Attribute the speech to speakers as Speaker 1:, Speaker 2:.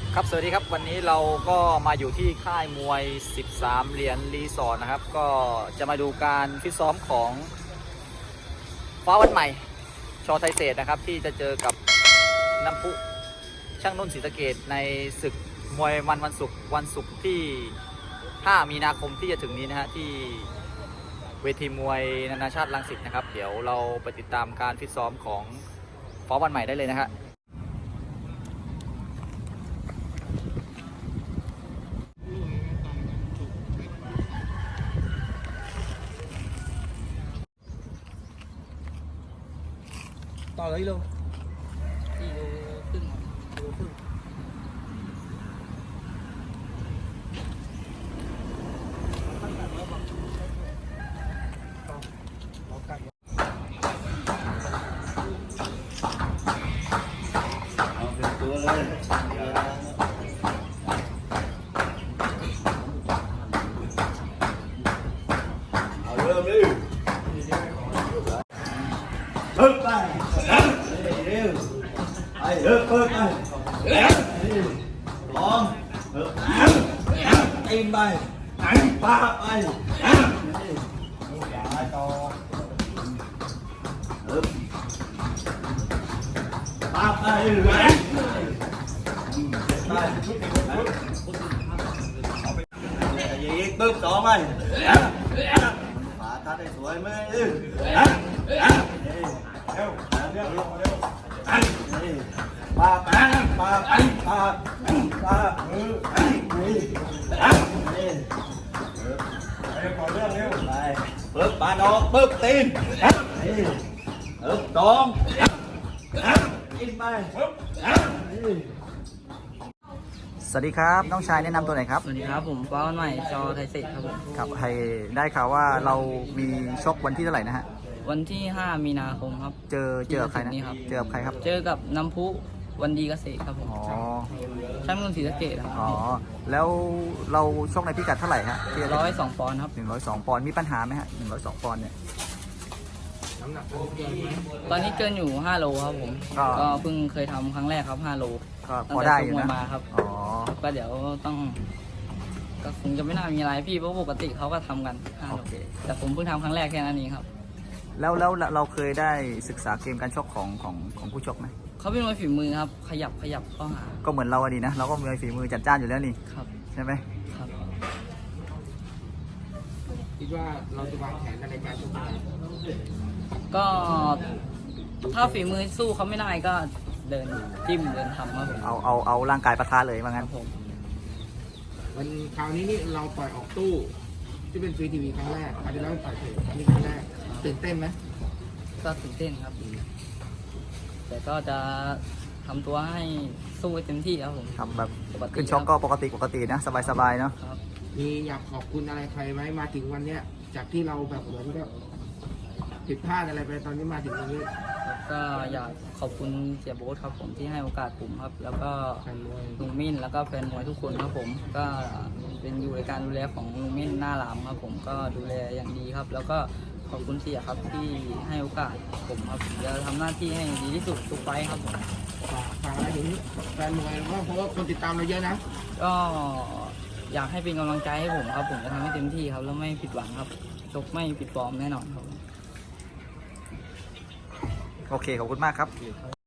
Speaker 1: ครับสวัสดีครับวันนี้เราก็มาอยู่ที่ค่ายมวย13เหรียญรีสอร์ทนะครับก็จะมาดูการฟิตซ้อมของฟ้าวันใหม่ชอไทยเศษนะครับที่จะเจอกับน้ำพุช่างนุ่นศรีสะเกษในศึกมวยวันศุกร์ที่5 มีนาคมที่จะถึงนี้นะฮะที่เวทีมวยนานาชาติรังสิตนะครับเดี๋ยวเราไปติดตามการฟิตซ้อมของฟ้าวันใหม่ได้เลยนะฮะ
Speaker 2: ต่อเลยลูก4 โลครึ่งโลครึ่ง
Speaker 3: เอาเป็นตัวเลยเอาเริ่มดิเพิ่มไปเร็วไปเพิ่มไปลองเพิ่มตีนไปปาไปต่อเพิ่มปาไปยิงปึ๊บต่อไปฝาทัดให้สวยไหมปาปาปาปาปาปาไปปึ๊บปาดอกปึ๊บตีนปึ๊บตองกินไป
Speaker 1: สวัสดีครับน้องชายแนะนำตัวหน่อยครับ
Speaker 2: สวัสดีครับผมฟ้าวันใหม่ชอไทยเศษครับผม
Speaker 1: ครับให้ได้ข่าวว่าเรามีชกวันที่เท่าไหร่นะฮะ
Speaker 2: วันที่ 5 มีนาคมครับ
Speaker 1: เจอกับใครนะ
Speaker 2: นี่ครับ
Speaker 1: เจอกับใครครับ
Speaker 2: เจอกับน้ำพุวันดีเกษตรครับผม
Speaker 1: อ๋อ
Speaker 2: ช่างนุ่นศรีสะเกษครับ
Speaker 1: อ๋อแล้วเราชกในพิกัดเท่าไหร่ฮะ
Speaker 2: 102 ปอนด์ครับ
Speaker 1: 102 ปอนด์มีปัญหาไหมฮะ102 ปอนด์เนี่ย
Speaker 2: ตอนนี้เกินอยู่5 โลครับผม
Speaker 1: ก็
Speaker 2: ก็เพิ่งเคยทำครั้งแรกครับ5 โล
Speaker 1: ก็พอได้อยู่
Speaker 2: ตั้งแต่ชกมว
Speaker 1: นะ
Speaker 2: ยมาครับ
Speaker 1: อ๋อ
Speaker 2: ก็เดี๋ยวต้องก็คงจะไม่น่ามีอะไรพี่เพราะปกติเขาก็ทำกัน5
Speaker 1: โอ
Speaker 2: โล
Speaker 1: เค
Speaker 2: แต่ผมเพิ่งทำครั้งแรกแค่นั้นเองครับ
Speaker 1: แล้วเราเคยได้ศึกษาเกมการชกของผู้ชกไหม
Speaker 2: เขาเป็นมวยฝีมือครับ ขยับเข้าหา
Speaker 1: ก็เหมือนเราอะดีนะเราก็มีฝีมือจัดจ้านอยู่แล้วนี่
Speaker 2: ครับ
Speaker 1: ใช่ไหม
Speaker 2: ครับ
Speaker 4: คิดว่าเราจะวางแผนในการชกยังไง
Speaker 2: ก็ถ้าฝีมือสู้เขาไม่ได้ก็เดินจิ้มเดินทำครับผม
Speaker 1: เอาร่างกายปะทะเลยว่า
Speaker 2: ค
Speaker 1: งั้
Speaker 2: รั
Speaker 1: น
Speaker 2: บผม
Speaker 4: วันคราวนี้นี่เราต่อยออกตู้ที่เป็นฟรีทีวีครั้งแรกอาจจะแล้วต่อยเถอะนี่ครั้งแรกตื่นเต้นไหม
Speaker 2: ก็ตื่นเต้นครับ แต่ก็จะทำตัวให้สู้ให้เต็มที่ครับผม
Speaker 1: ทำแบบ
Speaker 2: ปกติ
Speaker 1: ขึ้นชกก็ปกตินะสบายๆเนาะ
Speaker 2: ครับ
Speaker 4: มีอยากขอบคุณอะไรใครไหมมาถึงวันเนี้ยจากที่เราแบบเหมือนแบบผิดพลาดอะไรไปตอนนี้มาถึงวันนี้
Speaker 2: แล้วก็อยากขอบคุณเสียโบ๊ทครับผมที่ให้โอกาสผมครับ แล้วก็
Speaker 4: แฟนมวย
Speaker 2: ลุงมิ้นแล้วก็แฟนมวยทุกคนครับผม ก็เป็นอยู่ในการดูแลของลุงมิ้นหน้าหลามครับผมก็ดูแลอย่างดีครับ แล้วก็ขอบคุณเสียครับที่ให้โอกาสผมครับผมจะทำหน้าที่ให้ดีที่สุดทุกไฟท์ครับผม
Speaker 4: ฝากอะไรถึงแฟนมวยบ้างเพราะว่าคนติดตามเราเยอะนะ
Speaker 2: ก็อยากให้เป็นกำลังใจให้ผมครับ ผมจะทำให้เต็มที่ครับแล้วไม่ผิดหวังครับชกไม่ผิดฟอร์มแน่นอนครับ
Speaker 1: โอเคขอบคุณมากครับ